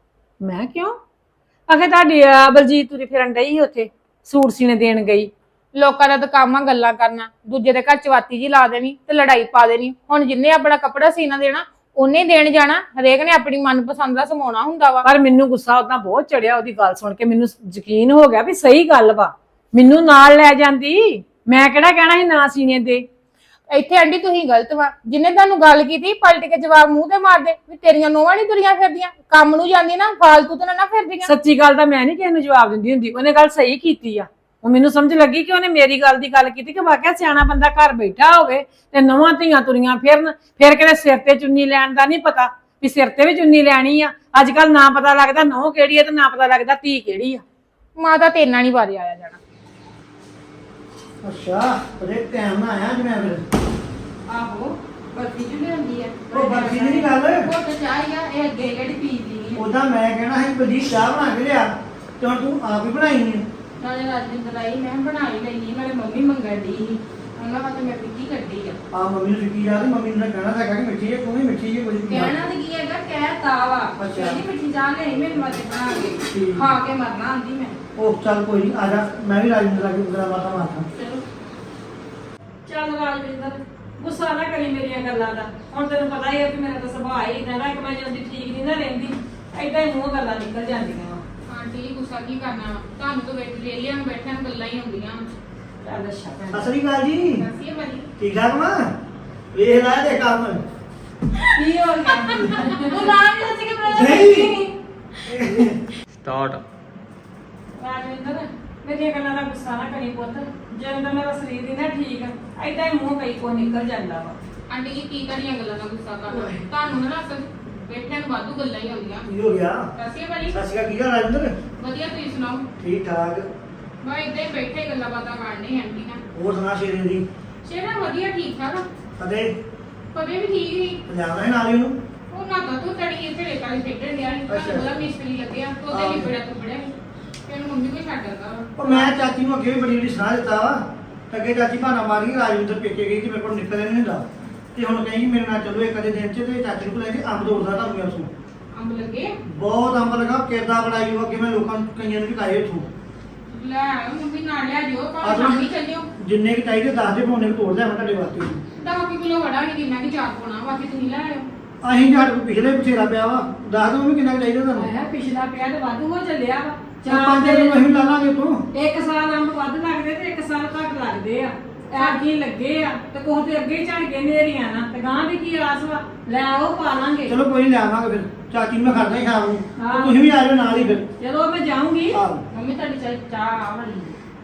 Speaker 1: ਮੈਂ ਕਿਉਂ? ਆਖੇ ਤੁਹਾਡੀ ਬਲਜੀਤ ਤੁਰੀ ਫਿਰਨ ਡਈ ਸੀ ਉੱਥੇ, ਸੂਟ ਸੀਨੇ ਦੇਣ ਗਈ।
Speaker 4: ਲੋਕਾਂ ਦਾ ਤਾਂ ਕੰਮ ਆ ਗੱਲਾਂ ਕਰਨਾ, ਦੂਜੇ ਦੇ ਘਰ ਚਵਾਤੀ ਜੀ ਲਾ ਦੇਣੀ ਤੇ ਲੜਾਈ ਪਾ ਦੇਣੀ। ਹੁਣ ਜਿੰਨੇ ਆਪਣਾ ਕੱਪੜਾ ਸੀਨਾ ਦੇਣਾ ਉਹਨੇ ਦੇਣ ਜਾਣਾ, ਹਰੇਕ ਨੇ ਆਪਣੀ ਮਨਪਸੰਦ ਦਾ ਸਮਾਉਣਾ ਹੁੰਦਾ ਵਾ।
Speaker 1: ਪਰ ਮੈਨੂੰ ਗੁੱਸਾ ਉਦਾਂ ਬਹੁਤ ਚੜਿਆ ਉਹਦੀ ਗੱਲ ਸੁਣ ਕੇ, ਮੈਨੂੰ ਯਕੀਨ ਹੋ ਗਿਆ ਵੀ ਸਹੀ ਗੱਲ ਵਾ। ਮੈਨੂੰ ਨਾਲ ਲੈ ਜਾਂਦੀ, ਮੈਂ ਕਿਹੜਾ ਕਹਿਣਾ ਸੀ ਨਾ ਸੀਨੇ ਦੇ।
Speaker 4: ਇੱਥੇ ਆਂਟੀ ਤੁਸੀਂ ਗਲਤ ਵਾ, ਜਿੰਨੇ ਤੁਹਾਨੂੰ ਗੱਲ ਕੀਤੀ ਪਲਟ ਕੇ ਜਵਾਬ ਮੂੰਹ ਤੇ ਮਾਰ ਦੇ ਵੀ ਤੇਰੀਆਂ ਨੋਵਾਂ ਨਹੀਂ ਤੁਰੀਆਂ ਫਿਰਦੀਆਂ, ਕੰਮ ਨੂੰ ਜਾਂਦੀ ਨਾ ਫਾਲਤੂ ਤੇ ਨਾ ਫਿਰਦੀਆਂ।
Speaker 1: ਸੱਚੀ ਗੱਲ ਤਾਂ ਮੈਂ ਨਹੀਂ ਕਿਸੇ ਨੂੰ ਜਵਾਬ ਦਿੰਦੀ ਹੁੰਦੀ, ਉਹਨੇ ਗੱਲ ਸਹੀ ਕੀਤੀ ਆ। ਉਹ ਮੈਨੂੰ ਸਮਝ ਲੱਗੀ ਕਿ ਉਹਨੇ ਮੇਰੀ ਗੱਲ ਦੀ ਗੱਲ ਕੀਤੀ ਕਿ ਵਾਕਿਆ ਸਿਆਣਾ ਬੰਦਾ ਘਰ ਬੈਠਾ ਹੋਵੇ ਤੇ ਨਵਾਂ ਧੀਆਂ ਤੁਰੀਆਂ ਫਿਰਨ, ਫਿਰ ਕਿਤੇ ਸਿਰ ਤੇ ਚੁੰਨੀ ਲੈਣ ਦਾ ਨਹੀਂ ਪਤਾ ਵੀ ਸਿਰ ਤੇ ਵੀ ਚੁੰਨੀ ਲੈਣੀ ਆ। ਅੱਜ ਕੱਲ ਨਾ ਪਤਾ ਲੱਗਦਾ ਨਹੁੰ ਕਿਹੜੀ ਆ ਤੇ ਨਾ ਪਤਾ ਲੱਗਦਾ ਧੀ ਕਿਹੜੀ ਆ।
Speaker 4: ਮਾਤਾ ਤੇ ਇੰਨਾ ਨਹੀਂ ਵਾਰੇ ਆਇਆ ਜਾਣਾ।
Speaker 5: ਅੱਛਾ, ਬੜੇ ਟਾਈਮ ਨਾਲ ਆਇਆ ਅੱਜ ਮੈਂ ਫਿਰ।
Speaker 3: ਆਹੋ ਬਰਫੀ ਜੁ ਲਿਆਂਦੀ ਆ।
Speaker 5: ਉਹ ਬਰਫੀ ਦੀ ਨੀ ਗੱਲ।
Speaker 3: ਉਹ ਤਾਂ ਚਾਹ ਆ, ਇਹ ਅੱਗੇ ਕਿਹੜੀ ਪੀਦੀ ਆ।
Speaker 5: ਉਦਾਂ ਮੈਂ ਕਹਿਣਾ ਸੀ ਬਲਜੀਤ ਚਾਹ ਬਣਾ ਕੇ ਲਿਆ, ਤੇ ਹੁਣ ਤੂੰ ਆਪ ਹੀ ਬਣਾਈ ਨੀ।
Speaker 3: ਨਾਲੇ ਰਾਜਿੰਦਰ ਆਈ, ਮੈਂ ਬਣਾ ਹੀ ਲੈਣੀ, ਨਾਲੇ ਮੰਮੀ ਮੰਗਣ ਦੀ ਸੀ, ਉਹਨਾਂ ਵਾਸਤੇ ਮੈਂ ਫਿੱਕੀ ਕੱਢੀ ਆ।
Speaker 5: ਆ ਮੰਮੀ ਨੂੰ ਫਿੱਕੀ ਜਾ ਤੇ ਮੰਮੀ ਨੂੰ ਕਹਿਣਾ ਤਾਂ ਹੈਗਾ ਕਿ ਮਿੱਠੀ ਹੈ, ਤੂੰ ਵੀ ਮਿੱਠੀ ਜੀ ਕੁਝ ਵੀ
Speaker 3: ਕਹਿਣਾ ਤੇ ਕੀ ਹੈਗਾ, ਕਹਿ ਤਾ ਵਾ ਕਹਿੰਦੀ ਮਿੱਠੀ ਚਾਹ ਲਈ ਮੇਰੇ ਮਤੇ ਬਣਾ ਕੇ ਖਾ ਕੇ ਮਰਨਾ ਆਂਦੀ ਮੈਂ।
Speaker 5: ਉਹ ਚੱਲ ਕੋਈ ਨਹੀਂ, ਆ ਜਾ, ਮੈਂ ਵੀ ਰਾਜਿੰਦਰ ਆ ਕੇ ਉਂਗਲਾਂ ਮਾਤਾ ਮਾਰਦਾ।
Speaker 3: ਚਲੋ
Speaker 1: ਚੱਲ ਰਾਜਵਿੰਦਰ, ਗੁੱਸਾ ਨਾ ਕਰੀ ਮੇਰੀਆਂ ਗੱਲਾਂ ਦਾ। ਹੁਣ ਤੈਨੂੰ ਪਤਾ ਹੀ ਹੈ ਕਿ ਮੇਰਾ ਤਾਂ ਸੁਭਾਅ ਹੀ ਇਦਾਂ ਦਾ ਕਿ ਮੈਂ ਜਲਦੀ ਠੀਕ ਨਹੀਂ ਨਾ ਰਹਿੰਦੀ, ਏਦਾਂ ਹੀ ਮੂੰਹ ਗੱਲਾਂ ਨਿਕਲ ਜਾਂਦੀਆਂ ਵਾ।
Speaker 4: ਆਂਟੀ ਗੁੱਸਾ ਕੀ ਕਰਨਾ, ਤੁਹਾਨੂੰ ਤਾਂ ਬੈਠ ਰੇਲੀਆਂ ਨੂੰ ਬੈਠਿਆਂ ਨੂੰ ਗੱਲਾਂ ਹੀ ਹੁੰਦੀਆਂ।
Speaker 1: ਚੱਲ ਅੱਛਾ ਭੈਣ।
Speaker 5: ਸਤਿ ਸ੍ਰੀ ਅਕਾਲ ਜੀ।
Speaker 4: ਦੱਸੀਏ ਭਾਜੀ
Speaker 5: ਠੀਕ ਠਾਕ ਵਾ? ਵੇਖ ਲੈ ਤੇ ਕੰਮ।
Speaker 1: ਕੀ ਹੋ ਗਿਆ?
Speaker 3: ਉਹ ਨਾ ਨਹੀਂ ਦੱਸ ਕੇ ਬਣਾ
Speaker 5: ਨਹੀਂ।
Speaker 2: ਸਟਾਰਟ।
Speaker 1: ਰਾਜਵਿੰਦਰ, ਮੇਰੀਆਂ ਗੱਲਾਂ ਦਾ ਗੁੱਸਾ ਨਾ ਕਰੀ ਪੁੱਤ, ਜਦੋਂ ਦਾ ਮੇਰਾ ਸਰੀਰ ਹੀ ਨਾ ਠੀਕ ਆ ਏਦਾਂ ਹੀ ਮੂੰਹ ਕਈ ਕੋ ਨਿਕਲ ਜਾਂਦਾ ਵਾ।
Speaker 4: ਆਂਟੀ ਜੀ ਕੀ ਕਰੀਆਂ ਗੱਲਾਂ ਦਾ ਗੁੱਸਾ ਕਰਨਾ, ਤੁਹਾਨੂੰ ਨਾ ਅਸਲ ਬੈਠਿਆਂ ਨੂੰ ਵਾਧੂ ਗੱਲਾਂ ਹੀ ਹੁੰਦੀਆਂ।
Speaker 5: ਕੀ ਹੋ ਗਿਆ?
Speaker 4: ਦੱਸੀਏ ਭਾਜੀ
Speaker 5: ਸਤਿ ਸ੍ਰੀ ਅਕਾਲ, ਕੀ ਹਾਲ ਰਾਜਿੰਦਰ?
Speaker 4: ਵਧੀਆ, ਤੁਸੀਂ ਸੁਣਾਓ?
Speaker 5: ਠੀਕ ਠਾਕ।
Speaker 4: ਮੈਂ ਇੱਦਾਂ ਹੀ ਬੈਠੇ ਗੱਲਾਂ ਬਾਤਾਂ ਕਰਨੀ ਆਂਟੀ ਨਾਲ।
Speaker 5: ਹੋਰ ਸੁਣਾ ਸ਼ੇਰੇ ਦੀ?
Speaker 4: ਸ਼ੇਰਾ ਵਧੀਆ ਠੀਕ ਠਾਕ ਆ,
Speaker 5: ਕਦੇ
Speaker 4: ਪਵੇ ਵੀ ਠੀਕ ਨਹੀਂ।
Speaker 5: ਪੰਜਾਬ ਨਾਲ ਨਾਲ ਹੀ ਉਹਨੂੰ।
Speaker 4: ਉਹ ਨਾ ਤਾਂ ਤੂੰ ਤੜੀ ਇੱਥੇ ਰੇਤਾ ਦੀ ਖੇਡਣ ਡਿਆ ਸੀ,
Speaker 5: ਅੱਛਾ।
Speaker 4: ਤੁਹਾਨੂੰ ਬੜਾ ਮਿਸਤਰੀ ਲੱਗਿਆ ਤੇ ਉਹਦੇ ਵੀ ਬੜਾ ਤੁਪੜਿਆ ਸੀ ਤੇ ਉਹਨੂੰ ਮੰਮੀ ਕੋਈ ਛੱਡ ਦਿੰਦਾ ਵਾ।
Speaker 5: ਉਹ ਮੈਂ ਚਾਚੀ ਨੂੰ ਅੱਗੇ ਵੀ ਬੜੀ ਬੜੀ ਸਲਾਹ ਦਿੱਤਾ ਵਾ, ਤੇ ਅੱਗੇ ਚਾਚੀ ਬਹਾਨਾ ਮਾਰੀ ਰਾਜਵਿੰਦਰ ਪੇਕੇ ਗਈ ਕਿ ਮੇਰੇ ਕੋਲ ਨਿਕਲਿਆ ਨਹੀਂ ਹੁੰਦਾ, ਤੇ ਹੁਣ ਕਹਿੰਦੀ ਮੇਰੇ ਨਾਲ ਚਲੋ ਇੱਕ ਅੱਧੇ ਦਿਨ ਚ, ਤੇ ਚਾਚੀ ਨੂੰ ਲੈ ਕੇ ਅੰਬ ਤੋੜਦਾ ਤੁਹਾਨੂੰ ਮੈਂ ਉਸਨੂੰ।
Speaker 4: ਅੰਬ ਲੱਗੇ
Speaker 5: ਬਹੁਤ ਅੰਬ ਲਗਾ, ਕਿਰਦਾ ਬੜਾਈ ਉਹ ਅੱਗੇ ਮੈਂ ਲੋਕਾਂ ਨੂੰ ਕਈਆਂ ਨੂੰ ਵੀ ਖਾਏ ਉੱਥੋਂ।
Speaker 4: ਲੈ ਆਇਓ ਮੰਮੀ ਨਾਲ ਲਿਆ ਜਿਓ,
Speaker 5: ਆਹ
Speaker 4: ਭਾਵੇਂ
Speaker 5: ਲਓ।
Speaker 4: ਸ਼ਾਮੀ ਚੱਲਿਓ।
Speaker 5: ਜਿੰਨੇ ਕਿ ਚਾਹੀਦੇ ਦੱਸ ਦੇ ਪੌਣੇ ਕੁ ਤੋੜ ਲਿਆ ਮੈਂ ਤੁਹਾਡੇ ਵਾਸਤੇ।
Speaker 4: ਦਸ ਕੁ ਕਿਲੋ ਵੜਾ ਨਹੀਂ ਕਿੰਨਾ ਕਿ ਚਾਰ ਪਾਉਣਾ, ਬਾਕੀ ਤੁਸੀਂ ਲੈ ਆਇਓ।
Speaker 5: ਅਸੀਂ ਸਾਡੇ ਕੋਲ ਪਿਛਲੇ ਬਥੇਰਾ ਪਿਆ ਵਾ, ਦੱਸ ਦੋ ਵੀ ਕਿੰਨਾ ਕੁ ਚਾਹੀਦਾ ਤੁਹਾਨੂੰ।
Speaker 1: ਆਇਆ ਪਿਛਲਾ ਪਿਆ ਤੇ ਵਾਧੂ ਹੋ ਚੱਲਿਆ ਵਾ।
Speaker 5: ਚਾਰ ਪੰਜ ਦਿਨ ਅਸੀਂ ਲਾ ਲਾਂਗੇ ਤੋਂ।
Speaker 1: ਇੱਕ ਸਾਲ ਅੰਬ ਵੱਧ ਲੱਗਦੇ ਤੇ ਇੱਕ ਸਾਲ ਘੱਟ ਲੱਗਦੇ ਆ। ਐ ਕੀ ਲੱਗੇ ਆ ਤੇ ਕੋਹ ਤੇ ਅੱਗੇ ਹੀ ਝੜ ਕੇ ਨੇਰੀਆਂ ਨਾ ਤੇ ਗਾਂ ਦੀ ਕੀ ਆਸ ਵਾ। ਲੈ ਆਓ ਪਾ ਲਾਂਗੇ।
Speaker 5: ਚਲੋ ਕੋਈ ਨਹੀਂ ਲਿਆਵਾਂਗੇ ਫਿਰ। ਚਾਚੀ ਨੂੰ ਮੈਂ ਖੜਦਾ ਹੀ ਸ਼ਾਮ ਨੂੰ
Speaker 1: ਹਾਂ।
Speaker 5: ਤੇ ਤੁਸੀਂ ਵੀ ਆ ਜਾਓ ਨਾਲ ਹੀ ਫਿਰ
Speaker 1: ਜਦੋਂ ਮੈਂ ਜਾਊਂਗੀ
Speaker 5: ਆਹੋ
Speaker 3: ਮੰਮੀ ਤੁਹਾਡੀ ਚਾਹ ਚਾਹ ਆ ਵਾਲੀ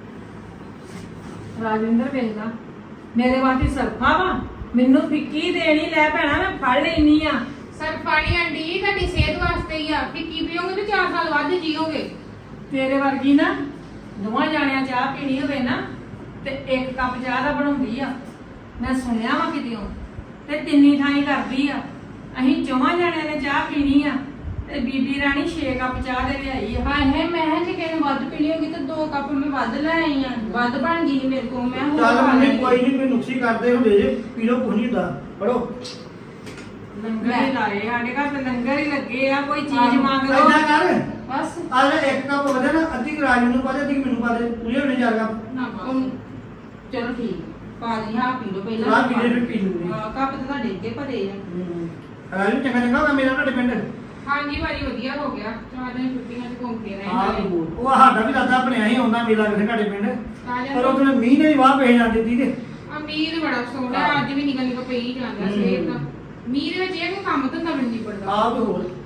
Speaker 1: ਰਾਜਿੰਦਰ ਵੇਖਦਾ ਮੇਰੇ ਵਾਸਤੇ ਸਰਫਾ ਵਾ ਮੈਨੂੰ ਫਿੱਕੀ ਦੇਣੀ ਲੈ ਭੈਣਾ ਮੈਂ ਫੜ ਲੈਣੀ ਆ
Speaker 4: ਸਰ ਪਾਣੀ ਆਂਟੀ ਤੁਹਾਡੀ ਸਿਹਤ ਵਾਸਤੇ ਹੀ ਆ ਕਿ ਕੀ ਪੀਓਗੇ ਤੇ ਚਾਰ ਸਾਲ ਵੱਧ ਜੀਓਗੇ।
Speaker 1: ਤੇਰੇ ਵਰਗੀ ਨਾ ਦੋਵਾਂ ਜਾਣਿਆਂ ਚਾਹ ਪੀਣੀ ਹੋਵੇ ਨਾ ਤੇ ਇੱਕ ਕੱਪ ਚਾਹ ਦਾ ਬਣਾਉਂਦੀ ਆ ਮੈਂ ਸੁਣਿਆ ਵਾ ਕਿਤੇੋਂ ਤੇ ਤਿੰਨੀ ਥਾਈ ਕਰਦੀ ਆ ਅਸੀਂ ਚੌਵਾਂ ਜਾਣਿਆਂ ਨੇ ਚਾਹ ਪੀਣੀ ਆ ਤੇ ਬੀਬੀ ਰਾਣੀ ਛੇ ਕੱਪ ਚਾਹ ਦੇ ਲਿਆਈ ਆ
Speaker 3: ਹਾਏ ਹਾਏ ਮੈਂ ਜੇ ਕਿਸੇ ਨੇ ਵੱਧ ਪੀਣੀ ਹੋਗੀ ਤਾਂ ਦੋ ਕੱਪ ਮੈਂ ਵੱਧ ਲੈ ਆਈ ਆ ਵੱਧ ਬਣ ਗਈ ਸੀ ਮੇਰੇ ਕੋਲ ਮੈਂ ਹੋਰ
Speaker 5: ਚੱਲ
Speaker 3: ਖਾ
Speaker 5: ਮੰਮੀ
Speaker 3: ਲੈਣੀ।
Speaker 5: ਕੋਈ ਨਹੀਂ ਕੋਈ ਨੁਕਸੀ ਕਰਦੇ ਹੁੰਦੇ ਜੇ ਪੀ ਲਓ ਕੁਝ ਨਹੀਂ ਹੁੰਦਾ ਪੜੋ
Speaker 1: ਲੰਗਰ ਹੀ ਲਾਏ ਸਾਡੇ ਘਰ ਤੇ ਲੰਗਰ ਹੀ ਲੱਗੇ ਆ ਕੋਈ ਚੀਜ਼
Speaker 3: ਆਹੋ।
Speaker 1: ਮੰਗ ਲਓ
Speaker 5: ਐਦਾਂ ਕਰ
Speaker 3: ਬਸ
Speaker 5: ਆ ਲੈ ਇੱਕ ਕੱਪ ਵਧੇ ਨਾ ਅੱਧੀ ਗਰਾਜ ਨੂੰ ਪਾ ਦੇ ਅੱਧੀ ਮੈਨੂੰ ਪਾ ਦੇ ਪੂਰੇ ਹੋਣੇ ਚਾਰ ਕੱਪ
Speaker 3: ਨਾ ਉਹ- ਚਲੋ ਠੀਕ ਪਾ ਦੀ ਹਾਂ ਪੀ ਲਓ ਪਹਿਲਾਂ
Speaker 5: ਚਾਹ ਪੀ ਲੈ ਫਿਰ ਪੀ ਲੂੰਗੀ
Speaker 3: ਹਾਂ, ਕੱਪ ਤਾਂ ਤੁਹਾਡੇ ਅੱਗੇ ਭਰੇ ਆ
Speaker 5: ਰਾਜੂ ਚੰਗਾ ਚੰਗਾ ਹੋਗਾ ਮੇਰਾ ਤੁਹਾਡੇ ਪਿੰਡ
Speaker 4: ਹਾਂਜੀ ਭਾਜੀ ਵਧੀਆ ਹੋ ਗਿਆ ਚਾਰ ਦਿਨ ਛੁੱਟੀਆਂ ਚ ਘੁੰਮ ਕੇ ਰਹੇ
Speaker 5: ਹਾਂ
Speaker 4: ਨਾਲੇ।
Speaker 5: ਉਹ ਸਾਡਾ ਵੀ ਦਾਦਾ ਬਣਿਆ ਹੀ ਆਉਂਦਾ ਮੇਲਾ ਕਿਸੇ ਤੁਹਾਡੇ ਪਿੰਡ
Speaker 4: ਆ
Speaker 5: ਪਰ ਉਹ ਤੇ ਮੀਂਹ ਨੇ ਵੀ ਵਾਹ ਪੈ ਜਾਂਦੀ ਤੀ ਤੇ
Speaker 4: ਅਮੀਰ ਬੜਾ ਸੋਹਣਾ ਅੱਜ ਵੀ ਨਿਕਲ ਨਿਕਲ ਪਈ ਜਾਂਦਾ ਸਵੇਰ ਦਾ ਮੀਂਹ ਦੇ ਵਿੱਚ ਇਹ ਕੋਈ ਕੰਮ ਧੰਦਾ ਵੀ ਨਹੀਂ ਪੜਦਾ
Speaker 5: ਆਪ ਹੋਰ